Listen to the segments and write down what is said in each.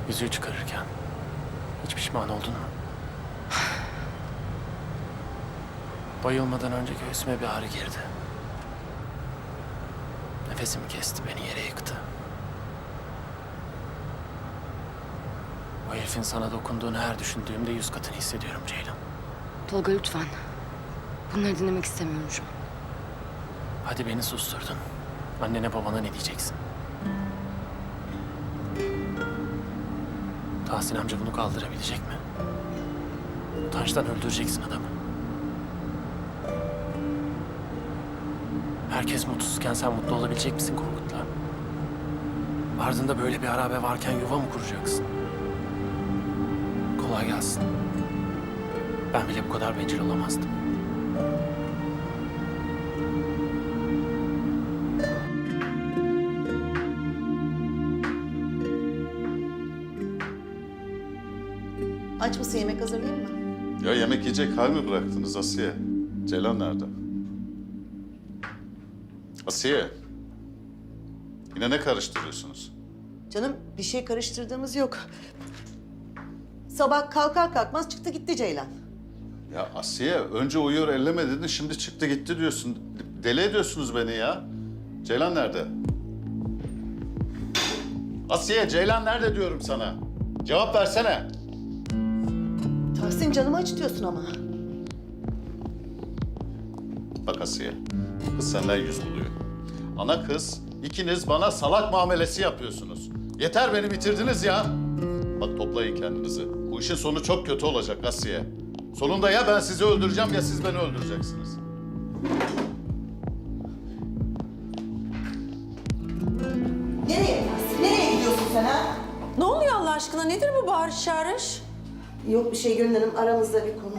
Yüzüğü çıkarırken hiç pişman oldun mu? Bayılmadan önce göğsüme bir ağrı girdi. Nefesimi kesti, beni yere yıktı. O herifin sana dokunduğunu her düşündüğümde 100 katını hissediyorum Ceylan. Tolga lütfen. Bunları dinlemek istemiyorum şu an. Hadi beni susturdun. Annene babana ne diyeceksin? Tahsin amca bunu kaldırabilecek mi? Utançtan öldüreceksin adamı. Herkes mutsuzken sen mutlu olabilecek misin Korkut'la? Ardında böyle bir harabe varken yuva mı kuracaksın? Kolay gelsin. Ben bile bu kadar bencil olamazdım. Aç mısın, yemek hazırlayayım mı? Ya yemek yiyecek hal mi bıraktınız Asiye? Ceylan nerede? Asiye. Yine ne karıştırıyorsunuz? Canım bir şey karıştırdığımız yok. Sabah kalkar kalkmaz çıktı gitti Ceylan. Ya Asiye önce uyuyor elleme dedin şimdi çıktı gitti diyorsun. Deli ediyorsunuz beni ya. Ceylan nerede? Asiye Ceylan nerede diyorum sana. Cevap versene. Tahsin canımı acıtıyorsun ama. Bak Asiye, kız senden yüz buluyor. Ana kız, ikiniz bana salak muamelesi yapıyorsunuz. Yeter beni bitirdiniz ya. Bak toplayın kendinizi. Bu işin sonu çok kötü olacak Asiye. Sonunda ya ben sizi öldüreceğim ya siz beni öldüreceksiniz. Nereye Tahsin? Nereye gidiyorsun sen ha? Ne oluyor Allah aşkına? Nedir bu bağırış çağırış? Yok bir şey Gönül Hanım, aramızda bir konu.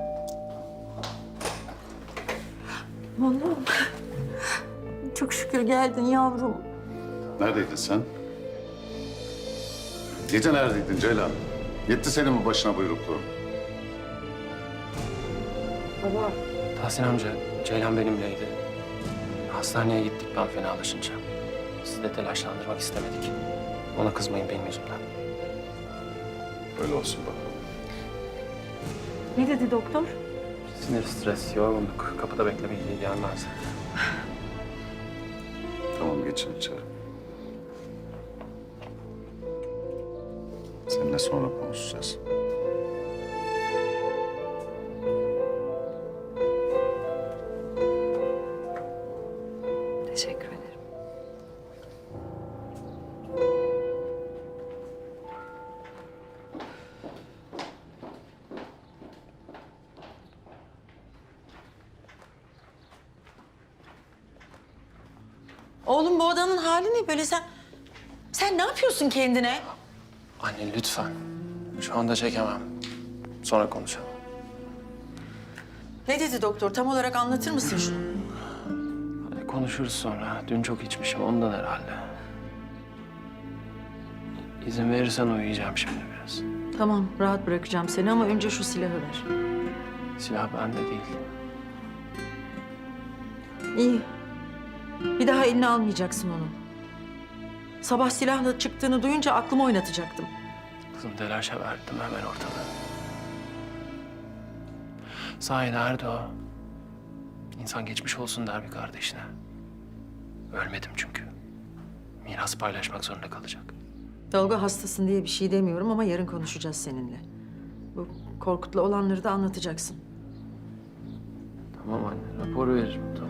Oğlum. Çok şükür geldin yavrum. Neredeydin sen? Gece neredeydin Ceylan? Yetti senin bu başına buyrukluğun. Tahsin amca, Ceylan benimleydi. Hastaneye gittik ben fenalaşınca. Sizi de telaşlandırmak istemedik. Ona kızmayın benim yüzümden. Öyle olsun bakalım. Ne dedi doktor? Sinir, stres, yorgunluk. Kapıda beklemek iyi gelmez. Tamam geçin içeri. Seninle sonra konuşacağız. Teşekkür ederim. Oğlum bu odanın hali ne böyle sen ne yapıyorsun kendine? Anne lütfen. Şu anda çekemem. Sonra konuşalım. Ne dedi doktor? Tam olarak anlatır mısın şunu? Hadi konuşuruz sonra. Dün çok içmişim ondan herhalde. İzin verirsen uyuyacağım şimdi biraz. Tamam rahat bırakacağım seni ama önce şu silahı ver. Silah bende değil. İyi. Bir daha eline almayacaksın onu. Sabah silahla çıktığını duyunca aklımı oynatacaktım. Kızım telaşa verdim hemen ortalığı. Sahi nerede o? İnsan geçmiş olsun der bir kardeşine. Ölmedim çünkü. Miras paylaşmak zorunda kalacak. Tolga hastasın diye bir şey demiyorum ama yarın konuşacağız seninle. Bu Korkut'la olanları da anlatacaksın. Tamam anne rapor veririm tamam.